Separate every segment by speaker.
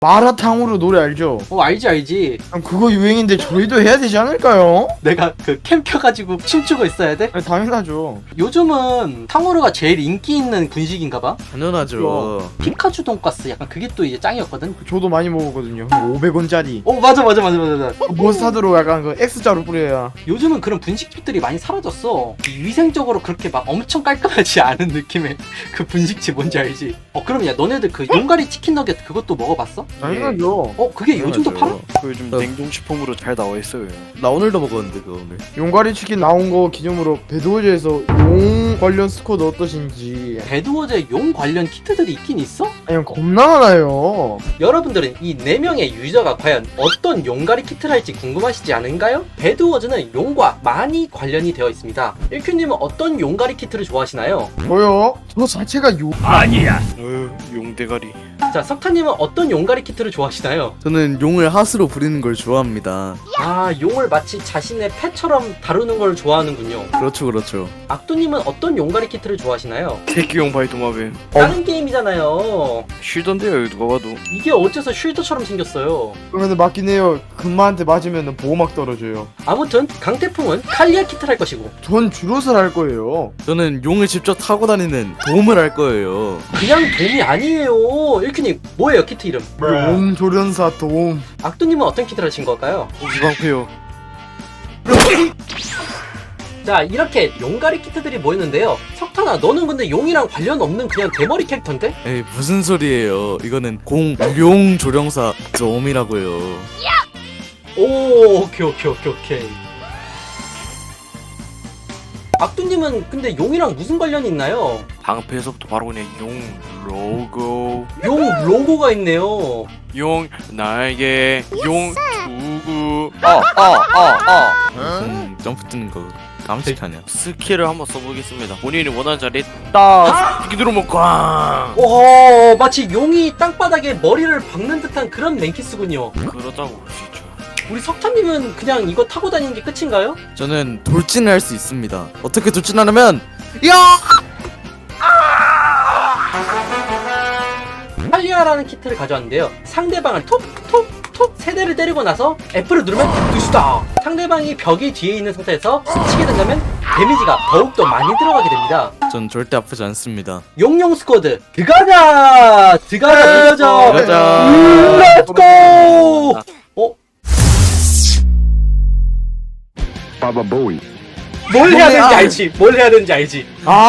Speaker 1: 마라탕으로 노래 알죠?
Speaker 2: 알지.
Speaker 1: 그거 유행인데 저희도 해야 되지 않을까요?
Speaker 2: 내가 그 캠 켜가지고 춤추고 있어야 돼?
Speaker 1: 아니, 당연하죠.
Speaker 2: 요즘은 탕후루가 제일 인기 있는 분식인가봐.
Speaker 3: 당연하죠.
Speaker 2: 피카츄 돈가스 약간 그게 또 이제 짱이었거든.
Speaker 1: 저도 많이 먹었거든요. 500원짜리.
Speaker 2: 맞아.
Speaker 1: 머스타드로 약간 그 X자로 뿌려야.
Speaker 2: 요즘은 그런 분식집들이 많이 사라졌어. 위생적으로 그렇게 막 엄청 깔끔하지 않은 느낌의 그 분식집 뭔지 알지? 그럼 야 너네들 그 용가리 치킨 너겟 그것도 먹어봤어?
Speaker 1: 당연하죠.
Speaker 2: 그게 요즘도 팔아?
Speaker 4: 그 요즘 냉동식품으로 잘 나와 있어요.
Speaker 3: 나 오늘도 먹었는데 그거 오늘.
Speaker 1: 용가리 치킨 나온 거 기념으로 배드워즈에서 용 관련 스쿼드 어떠신지.
Speaker 2: 배드워즈에 용 관련 키트들이 있긴 있어?
Speaker 1: 아니 겁나 많아요.
Speaker 2: 여러분들은 이 4명의 유저가 과연 어떤 용가리 키트를 할지 궁금하시지 않은가요? 배드워즈는 용과 많이 관련이 되어 있습니다. 1큐님은 어떤 용가리 키트를 좋아하시나요?
Speaker 1: 저요? 저 자체가 용.
Speaker 4: 용대가리.
Speaker 2: 자, 석타님은 어떤 용가리 키트를 좋아하시나요?
Speaker 3: 저는 용을 핫으로 부리는 걸 좋아합니다.
Speaker 2: 용을 마치 자신의 펫처럼 다루는 걸 좋아하는군요.
Speaker 3: 그렇죠.
Speaker 2: 악도님은 어떤 용가리 키트를 좋아하시나요?
Speaker 4: 새끼용 바이토마뱀.
Speaker 2: 다른 게임이잖아요.
Speaker 4: 쉬던데요 누가 봐도.
Speaker 2: 이게 어째서 쉴드처럼 생겼어요.
Speaker 1: 그런데 맞긴 해요. 금마한테 맞으면 보호막 떨어져요.
Speaker 2: 아무튼 강태풍은 칼리아 키트를 할 것이고
Speaker 1: 전 주롯을 할 거예요.
Speaker 3: 저는 용을 직접 타고 다니는 도움을 할 거예요.
Speaker 2: 그냥 돔이 아니에요. 1큐님 뭐예요 키트 이름?
Speaker 1: 용 조련사 도움.
Speaker 2: 악도님은 어떤 키트를 하신 걸까요?
Speaker 4: 이방패요.
Speaker 2: 자, 이렇게 용가리 키트들이 모였는데요. 석탄아, 너는 근데 용이랑 관련 없는 그냥 대머리 캐릭터인데?
Speaker 3: 에이 무슨 소리예요. 이거는 공룡 조령사 좀이라고요.
Speaker 2: 오케이. 악두님은 근데 용이랑 무슨 관련이 있나요?
Speaker 4: 방패에서부터 바로 그냥 용 로고.
Speaker 2: 용 로고가 있네요.
Speaker 4: 용 날개. 용 투구.
Speaker 3: 무슨 점프 뜨는 거 깜찍하냐.
Speaker 4: 스킬을 한번 써보겠습니다. 본인이 원하는 자리에 딱 이렇게 누르면 꽝.
Speaker 2: 마치 용이 땅바닥에 머리를 박는 듯한 그런 랭키스군요.
Speaker 4: 그렇다고 볼 수 있죠.
Speaker 2: 우리 석탄님은 그냥 이거 타고 다니는 게 끝인가요?
Speaker 3: 저는 돌진을 할 수 있습니다. 어떻게 돌진하냐면 야!
Speaker 2: 칼리아라는 키트를 가져왔는데요. 상대방을 톡 세 대를 때리고 나서 F를 누르면 두수다. 상대방이 벽이 뒤에 있는 상태에서 스치게 된다면 데미지가 더욱더 많이 들어가게 됩니다.
Speaker 3: 전 절대 아프지 않습니다.
Speaker 2: 용용 스쿼드 들어가자. 렛츠고. 뭘 해야 되는지 알지?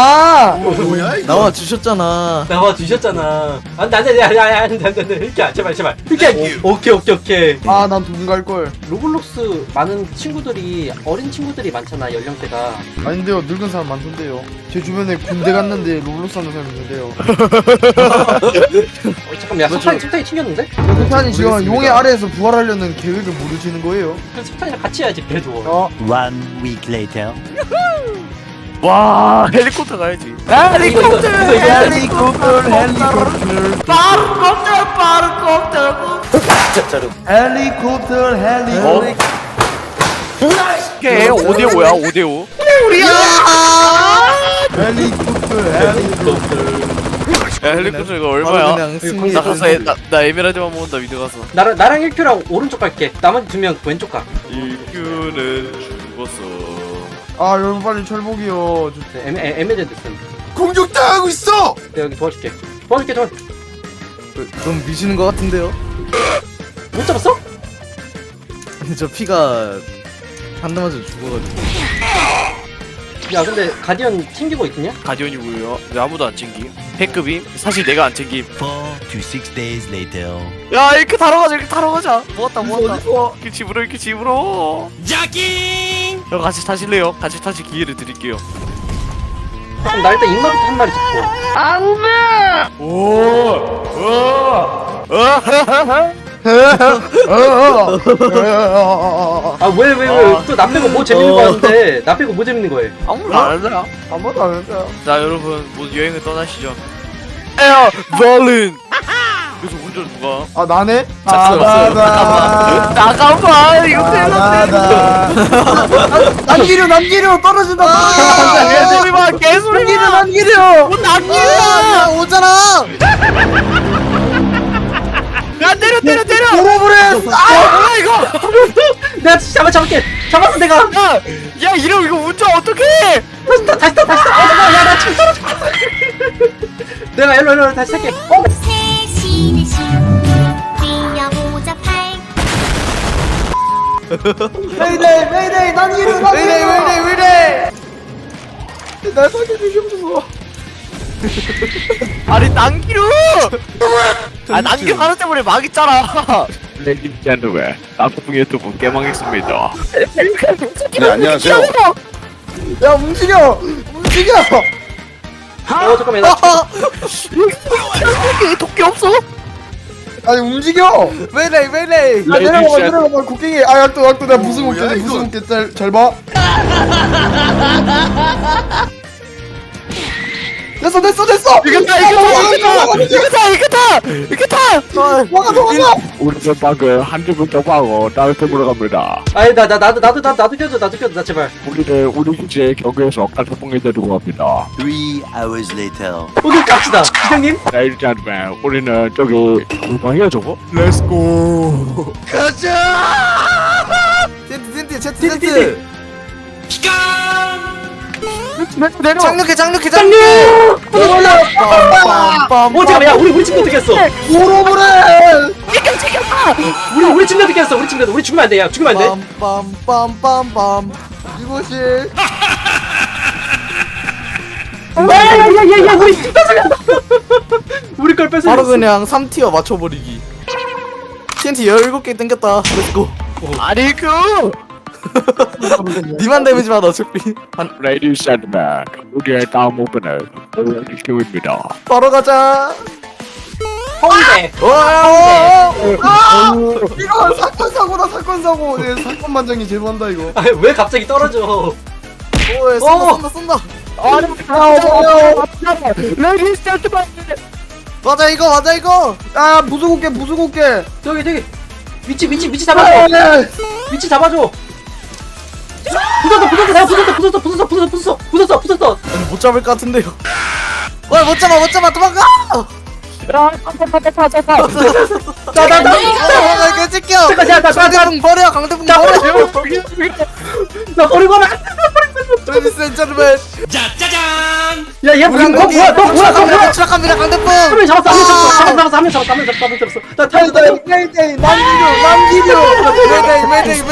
Speaker 3: 나와 주셨잖아.
Speaker 2: 나와 주셨잖아. 안돼 이렇게 제발 이렇게. 오케이.
Speaker 1: 난 돈 갈 걸.
Speaker 2: 로블록스 많은 친구들이 어린 친구들이 많잖아 연령대가.
Speaker 1: 아닌데요. 늙은 사람 많던데요. 제 주변에 군대 갔는데 로블록스 하는 사람 있는데요.
Speaker 2: 잠깐만 야 석탄이 튕겼는데?
Speaker 1: 석탄이 지금 용의 아래에서 부활하려는 계획을 모르시는 거예요.
Speaker 2: 그럼 석탄이랑 같이 해야지 배도.
Speaker 5: One week later.
Speaker 4: 와 헬리콥터 가야지.
Speaker 2: 헬리콥터.
Speaker 1: 헬리콥터.
Speaker 4: 이게 5대5야 5대5. 야 헬리콥터 이거 얼마야?
Speaker 3: 그냥 승리.
Speaker 4: 나 가서 나 에메랄드만 모은다 미드 가서.
Speaker 2: 나랑 1큐랑 오른쪽 갈게. 나머지 2명 왼쪽 가.
Speaker 4: 1큐는 죽었어.
Speaker 1: 여러분 빨리 철복이요.
Speaker 2: 에메젠드 쓴.
Speaker 6: 공격당하고 있어!
Speaker 2: 내가 여기 도와줄게.
Speaker 3: 좀 미시는 것 같은데요?
Speaker 2: 못 잡았어?
Speaker 3: 아니 저 피가 한 대 맞아 죽어가지고.
Speaker 2: 야 근데 가디언 챙기고 있겠냐?
Speaker 4: 가디언이 뭐예요? 왜 아무도 안 챙김? 패급임? 사실 내가 안 챙김.
Speaker 5: 4 to 6 days later.
Speaker 4: 야 이렇게 타러 가자. 모았다. 이렇게 집으로. 자킹. 형 같이 타실래요? 같이 타실 기회를 드릴게요.
Speaker 2: 그럼 나 일단 입마부터 한 마리 잡고. 왜 또 나 빼고 뭐 재밌는 거 하는데? 나 빼고 뭐 재밌는 거해?
Speaker 4: 아무도 안 한다.
Speaker 1: 아무도 안 했어요.
Speaker 4: 자 여러분 모두 여행을 떠나시죠. 에어 벌린. 그래서 운전 누가?
Speaker 1: 나네?
Speaker 4: 나가봐 이거
Speaker 1: 남기려 떨어진다.
Speaker 4: 개소리마 개소리마.
Speaker 1: 남기려.
Speaker 4: 오잖아. 야 때려.
Speaker 1: 오로브레스.
Speaker 4: 뭐야 이거?
Speaker 2: 내가 잡을게. 잡았어 내가.
Speaker 4: 야 이러면 이거 운전 어떡해?
Speaker 2: 다시 타. 야나 지금 떨어져. 내가 일로 다시 탈게.
Speaker 7: 세신의 신 뛰어보자 팔
Speaker 1: 메이데이 난 이름 메이데이 날 살려주시옵소서.
Speaker 4: 아니 난기루. 아 난기루 하는 때문에 망했잖아. 레이디 젠더맨 나쁜 유튜브 깨망했습니다.
Speaker 6: 네, 안녕하세요.
Speaker 1: 야 움직여.
Speaker 2: 잠깐만 나
Speaker 4: 도끼 없어?
Speaker 1: 아니 움직여. 메이데이. 야 내려가 곡괭이. 아 약도 내가 무슨 곡괭이 잘 봐. 됐어.
Speaker 4: 이겼다.
Speaker 1: 도망가.
Speaker 4: 우리 전방은 한 주부터 방어 다른 팀으로 갑니다.
Speaker 2: 아니 나도 껴줘 나 제발.
Speaker 4: 우리는 우리 기지의 경계에서 칼폭풍이 데리고 갑니다.
Speaker 5: 3 hours later.
Speaker 2: 오케이 갑시다. 기장님.
Speaker 4: 레이디 젠더맨 우리는 저기 물방이야 저거? 렛츠고.
Speaker 1: 텐트.
Speaker 4: 내려.
Speaker 1: 장력해.
Speaker 2: 장님. 잠깐만 야 우리 친구 어떻게 했어?
Speaker 1: 오로브레스.
Speaker 2: 우리 친구 어떻게 했어? 우리 죽으면 안 돼. 야 죽으면 안 돼.
Speaker 1: 빰빰빰빰빰. 이곳이
Speaker 2: 야야야야야 우리 집 뺏어간다. 우리 걸 뺏어.
Speaker 1: 바로 그냥 3티어 맞춰버리기. TNT 17개 땡겼다. 렛츠고.
Speaker 4: 아니 그
Speaker 1: 니만 데미지 받아 어차피.
Speaker 4: 레이디 젠더맨 우리의 다음 오픈은 레이디입니다.
Speaker 1: 바로 가자.
Speaker 2: 홍대.
Speaker 1: 이거 사건 사고. 네, 사건 반장이 제보한다 이거.
Speaker 2: 아, 왜 갑자기 떨어져?
Speaker 1: 쏜다.
Speaker 4: 레이디 젠더맨
Speaker 1: 맞아 이거. 아 부수고게.
Speaker 2: 저기 위치 잡아줘. 위치 잡아줘. 부쉈어.
Speaker 1: 아니, 못 잡을 것 같은데요. 못 잡아 도망가. 나나 찍혀. 강대풍 버려.
Speaker 2: 나 버리고 나.
Speaker 1: 레디스 앤 제르맨.
Speaker 2: 야얘 뭐야?
Speaker 1: 추락합니다 강대풍.
Speaker 2: 한 명 잡았어. 나 타이다.
Speaker 1: 메이데이 남기류. 메이데이.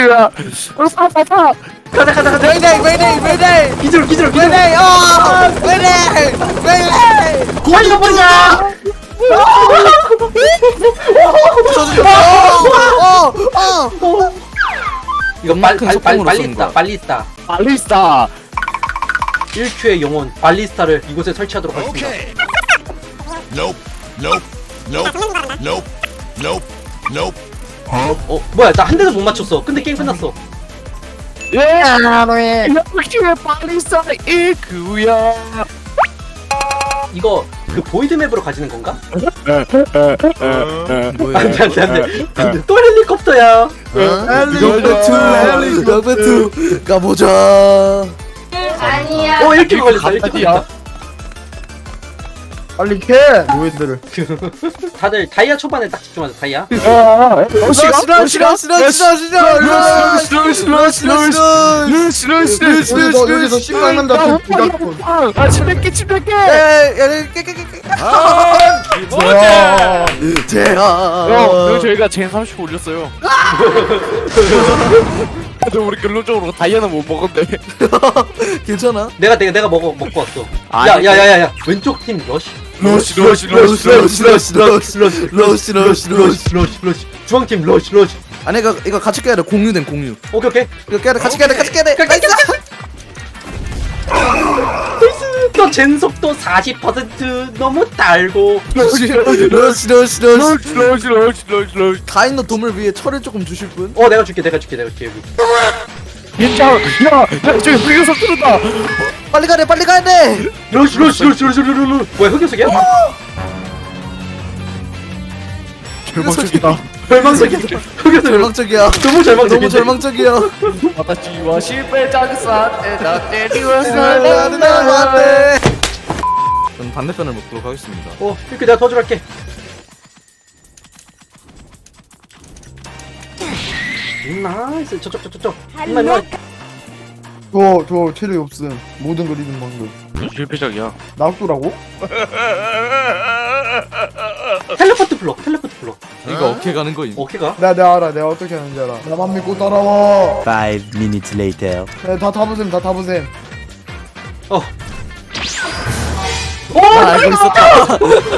Speaker 2: 가자.
Speaker 1: 메이데이.
Speaker 2: 기절.
Speaker 1: 메이데이. 메이데이.
Speaker 2: 고환이 버리자. 이거 발리스타.
Speaker 4: 발리스타
Speaker 2: 1큐의 영혼 발리스타를 이곳에 설치하도록 하겠습니다.
Speaker 6: Nope.
Speaker 2: 뭐야 나 한 대도 못 맞췄어. 근데 게임 끝났어.
Speaker 4: 역시 발리스타 1구야.
Speaker 2: 이거 그 보이드 맵으로 가지는 건가?
Speaker 1: 뭐야?
Speaker 2: 안돼. 또 헬리콥터야.
Speaker 1: 헬리콥터 가보자.
Speaker 7: 아니야
Speaker 2: 1킬 걸렸어. 1킬 걸렸어.
Speaker 1: 빨리 캐. 노예들을.
Speaker 2: 다들 다이아 초반에 딱 집중하자. 다이아.
Speaker 1: 여기서 신랑난다.
Speaker 4: 아 침뱉게 형 저희가 젠 30 올렸어요. 근데 우리 결론적으로 다이아는 못 먹었네.
Speaker 1: 괜찮아?
Speaker 2: 내가 먹고 왔어.
Speaker 4: 아니,
Speaker 2: 야야야야 왼쪽 팀 러시.
Speaker 1: 러시.
Speaker 2: 중앙 팀 러시.
Speaker 1: 아니 이거 같이 깨야 돼. 공유된 공유.
Speaker 2: 오케이.
Speaker 1: 이거 깨야 돼. 같이 깨야 돼.
Speaker 2: 너 젠속도 40% 너무 달고.
Speaker 1: 러시.
Speaker 4: 러시.
Speaker 1: 다인너 돔을 위해 철을 조금 주실 분?
Speaker 2: 내가 줄게 여기.
Speaker 4: 괜찮아. 야 저기 흑요석 뚫었다.
Speaker 1: 빨리 가야 돼.
Speaker 2: 러시. 뭐야 흑요석이야?
Speaker 4: 절망적이다.
Speaker 2: 절망적이야. 흑요석
Speaker 1: 절망적이야.
Speaker 2: 너무 절망적이야.
Speaker 4: 와다치와 실패 장사에 나 때리워서
Speaker 1: 저는 반대편을 먹도록 하겠습니다.
Speaker 2: 이렇게 내가 도와주러 갈게. 나이스. 저쪽. 임마.
Speaker 1: 저 체력이 없음. 모든 걸 잃은 방금.
Speaker 4: 실패작이야.
Speaker 1: 낙도라고?
Speaker 2: 텔레포트 블록.
Speaker 3: 이거 어떻게 가는 거임?
Speaker 2: 어떻게 가?
Speaker 1: 내가 알아. 내가 어떻게 하는지 알아. 나만 믿고 따라와.
Speaker 5: 5 minutes later.
Speaker 1: 다 타보셈.
Speaker 2: 어.
Speaker 3: 나 알고 있었다.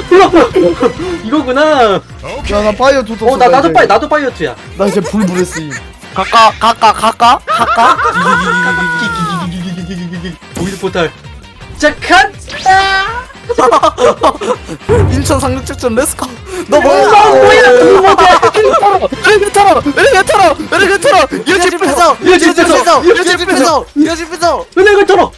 Speaker 2: 이거구나.
Speaker 1: 야, 나 파이어 투 떴어.
Speaker 2: 나도 파이어트야.
Speaker 1: 나 이제 불브레스임.
Speaker 4: 가까.
Speaker 2: 보이드 포탈. 자, 칸.
Speaker 3: 인천 상륙작전 렛츠고.
Speaker 1: 너 뭐야?
Speaker 3: 에레가토로. 여집 뺏어.
Speaker 2: 은행을 털어.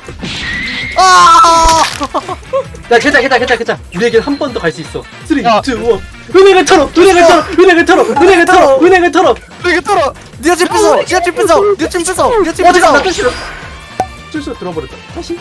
Speaker 2: 야, 괜찮아. 우리에겐 한 번 더 갈 수 있어. 3, 2, 1. 은행을 털어.
Speaker 3: 여집 뺏어.
Speaker 2: 어디가 나 뜻이로. 실수 들어버렸다. 다시.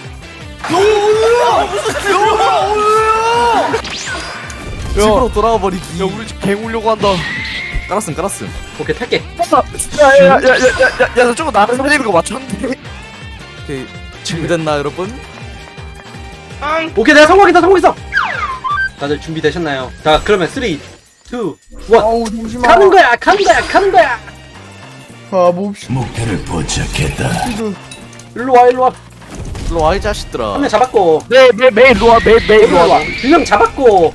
Speaker 3: 집으로 돌아와 버리기.
Speaker 4: 야 우리 집 갱 오려고 한다.
Speaker 3: 깔았음.
Speaker 2: 오케이, 탈게.
Speaker 4: 야야야야야 저거 나를 살리는 거 맞췄는데.
Speaker 3: 오케이. 준비됐나 여러분?
Speaker 2: 오케이, 내가 성공했어. 다들 준비되셨나요? 자, 그러면 3, 2, 1.
Speaker 1: 아우, 잠시만.
Speaker 2: 가는 거야.
Speaker 1: 가봅시다.
Speaker 6: 목표를 포착했다.
Speaker 2: 일로 와.
Speaker 3: 일로 와 이 자식들아.
Speaker 2: 한 명 잡았고.
Speaker 4: 매일 로아 매일 로아.
Speaker 2: 2명 잡았고.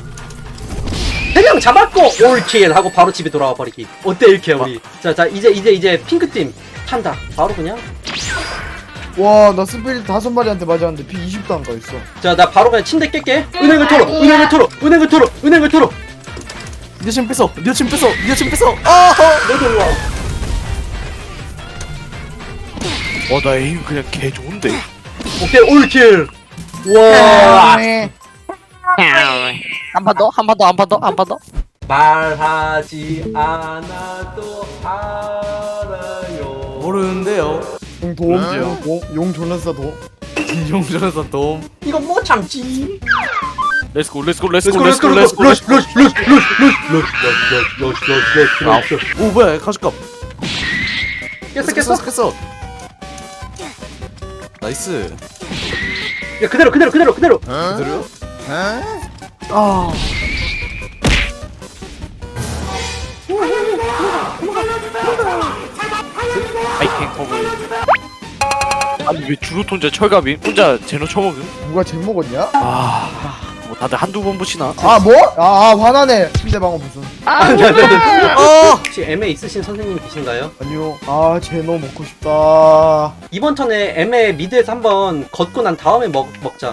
Speaker 2: 3명 잡았고. 올킬 하고 바로 집에 돌아와 버리기. 어때 이렇게 우리? 자, 이제 핑크팀 탄다. 바로 그냥.
Speaker 1: 와, 나 스피릿 5마리한테 맞았는데 피 20도 안 가있어.
Speaker 2: 자, 나 바로 그냥 침대 깰게. 은행을 털어.
Speaker 3: 여집 뺏어.
Speaker 2: 너도 일로 와.
Speaker 4: 나 에임 그냥 개 좋은데.
Speaker 2: 오케이, 올킬. 와.
Speaker 4: 한 번 더.
Speaker 2: 말하지 않아도 알아요.
Speaker 3: 모르는데요.
Speaker 1: 용 존나싸 도.
Speaker 3: 용전에서 도움.
Speaker 2: 이건 못 참지.
Speaker 4: 렛츠고.
Speaker 3: 오 뭐야 가죽값.
Speaker 2: 깼어.
Speaker 3: 나이스.
Speaker 2: 야, 그대로.
Speaker 3: 그대로요?
Speaker 4: 아이템 커버. 아니 왜 주로 혼자 철갑이? 혼자 제노 처먹음?
Speaker 1: 누가 잭 먹었냐?
Speaker 4: 뭐 다들 한두 번 붙이나?
Speaker 1: 뭐? 화나네. 침대방어 무슨.
Speaker 2: 혹시 M에 있으신 선생님 계신가요?
Speaker 1: 아니요. 제노 먹고 싶다.
Speaker 2: 이번 턴에 M에 미드에서 한번 걷고 난 다음에 먹자.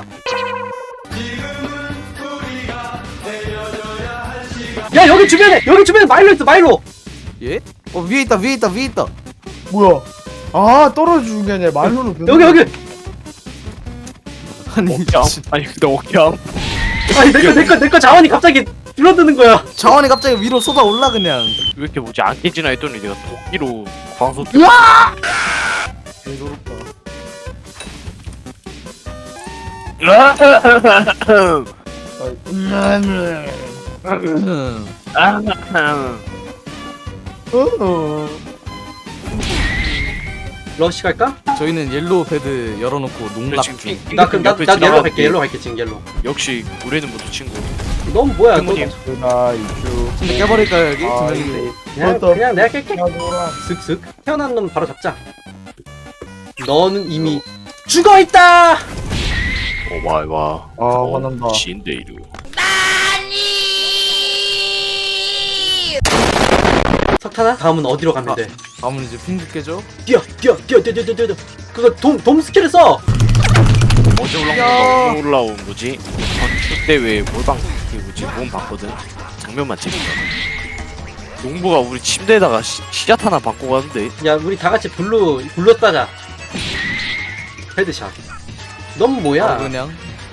Speaker 2: 야, 여기 주변에 마일로 있어. 마일로.
Speaker 3: 예? 위에 있다.
Speaker 1: 뭐야? 떨어져 죽은 게 아니라 말로는
Speaker 2: 여기.
Speaker 3: 아니
Speaker 4: 옥경? 아니 근데 옥경?
Speaker 2: 아니, 내 거 자원이 갑자기 줄어드는 거야.
Speaker 3: 자원이 갑자기 위로 쏟아 올라 그냥.
Speaker 4: 왜 이렇게 뭐지 안 깨지나 했더니 내가 도끼로 광소
Speaker 1: 개조롭다.
Speaker 2: 러시 갈까?
Speaker 3: 저희는 옐로우 패드 열어놓고 농락 중.
Speaker 2: 나 옐로 갈게. 옐로 갈게 지금 옐로.
Speaker 4: 역시 우리는 모두 친구.
Speaker 2: 넌 뭐야? 너
Speaker 4: 부모님.
Speaker 1: 나 이슈.
Speaker 3: 근데 깨버릴까요 여기? 두 명인데.
Speaker 2: 그냥 내가 깰게.
Speaker 1: 야노라.
Speaker 2: 슥슥. 태어난 놈 바로 잡자. 너는 이미 죽어 있다.
Speaker 4: 오마이와.
Speaker 1: 화난다.
Speaker 4: 신데이루.
Speaker 2: 석탄아, 다음은 어디로 가면 돼?
Speaker 3: 다음은 이제 핑크 깨죠?
Speaker 2: 뛰어. 그거 돔 스킬을 써.
Speaker 4: 어제 올라온 뭐지? 전축 대회 몰방 그 뭐지? 몸 봤거든. 장면만 찍은 거. 농부가 우리 침대에다가 시작 하나 받고 가는데.
Speaker 2: 야, 우리 다 같이 블루 따자. 헤드샷. 넌 뭐야?
Speaker 3: 그냥.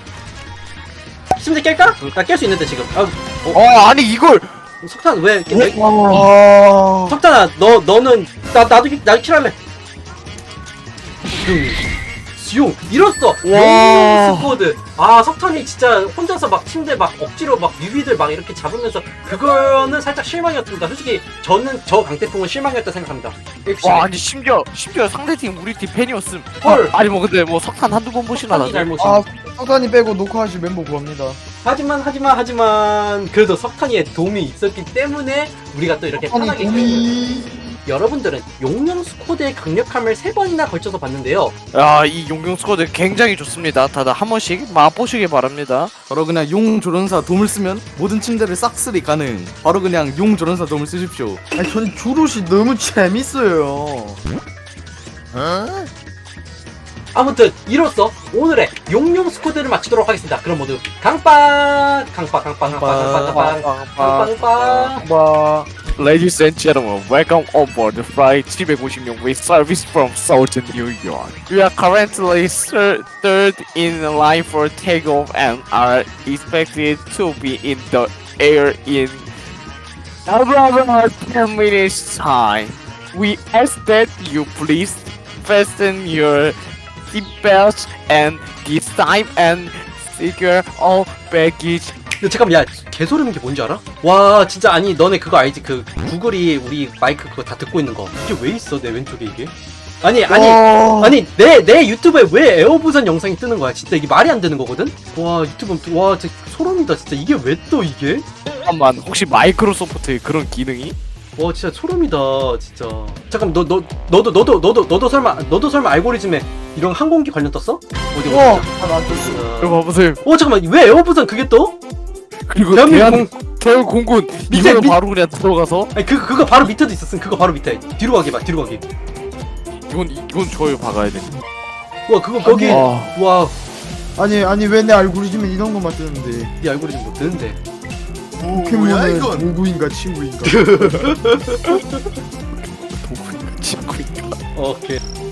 Speaker 2: 침대 깰까? 나 깰 수 있는데 지금.
Speaker 4: 아니 이걸.
Speaker 2: 석탄 왜?
Speaker 1: 아.
Speaker 2: 석탄아, 너는 나도 킬할래. 용 이뤘어. 용룡 스쿼드. 아 석탄이 진짜 혼자서 막 침대 막 억지로 막 뮤비들 막 이렇게 잡으면서 그거는 살짝 실망이었습니다. 솔직히 저는 저 강태풍은 실망이었다 생각합니다.
Speaker 4: 와 아니 심지어 상대팀 우리 팀 팬이었음.
Speaker 2: 헐.
Speaker 4: 아니 뭐 근데 뭐 석탄 한두 번 보시나
Speaker 2: 석탄이
Speaker 4: 나도.
Speaker 2: 잘못이.
Speaker 1: 아 석탄이 빼고 녹화하실 멤버 구합니다.
Speaker 2: 하지만 그래도 석탄이의 도움이 있었기 때문에 우리가 또 이렇게
Speaker 1: 석탄이
Speaker 2: 편하게
Speaker 1: 도미.
Speaker 2: 여러분들은 용령 스쿼드의 강력함을 3번이나 걸쳐서 봤는데요.
Speaker 4: 야이 용용 스쿼드 굉장히 좋습니다. 다들 한 번씩 맛보시길 바랍니다.
Speaker 3: 바로 그냥 용 조련사 돔을 쓰면 모든 침대를 싹쓸이 가능. 바로 그냥 용 조련사 돔을 쓰십시오.
Speaker 1: 아니 전 주롯이 너무 재밌어요.
Speaker 2: 아무튼 이로써 오늘의 용용 스쿼드를 마치도록 하겠습니다. 그럼 모두 강빵.
Speaker 1: 봐.
Speaker 4: Ladies and gentlemen, welcome on board the flight 756 with service from Southern New York. We are currently third in line for takeoff and are expected to be in the air in about 10 minutes time. We ask that you please fasten your seatbelts and this time and secure all baggage.
Speaker 2: 야, 잠깐만, 야, 개소리는 게 뭔지 알아? 와, 진짜, 아니, 너네 그거 알지? 그, 구글이 우리 마이크 그거 다 듣고 있는 거. 이게 왜 있어, 내 왼쪽에 이게? 아니, 내 유튜브에 왜 에어부산 영상이 뜨는 거야? 진짜 이게 말이 안 되는 거거든? 와, 유튜브, 와, 진짜 소름이다, 진짜. 이게 왜 떠, 이게?
Speaker 4: 잠깐만, 혹시 마이크로소프트의 그런 기능이?
Speaker 2: 와, 진짜 소름이다, 진짜. 잠깐, 너도 설마 알고리즘에 이런 항공기 관련 떴어? 어디,
Speaker 1: 우와.
Speaker 2: 어디?
Speaker 1: 안 떴어.
Speaker 4: 이거 봐보세요.
Speaker 2: 잠깐만, 왜 에어부산 그게 떠?
Speaker 4: 그리고
Speaker 2: 대한민국
Speaker 4: 대한공군
Speaker 2: 밑에,
Speaker 4: 이거는
Speaker 2: 밑-
Speaker 4: 바로 그냥 들어가서
Speaker 2: 아니, 그거 바로 밑에도 있었음, 그거 바로 밑에. 뒤로 가기 봐, 뒤로 가기.
Speaker 4: 이건 저요 박아야 돼.
Speaker 2: 와, 그거 거기,
Speaker 4: 와.
Speaker 2: 와,
Speaker 1: 아니 왜 내 알고리즘에 이런 것만 뜨는데?
Speaker 2: 네 알고리즘 뭐 뜨는데.
Speaker 1: 포켓몬은 동구인가 친구인가?
Speaker 4: 친구인가.
Speaker 2: 오케이.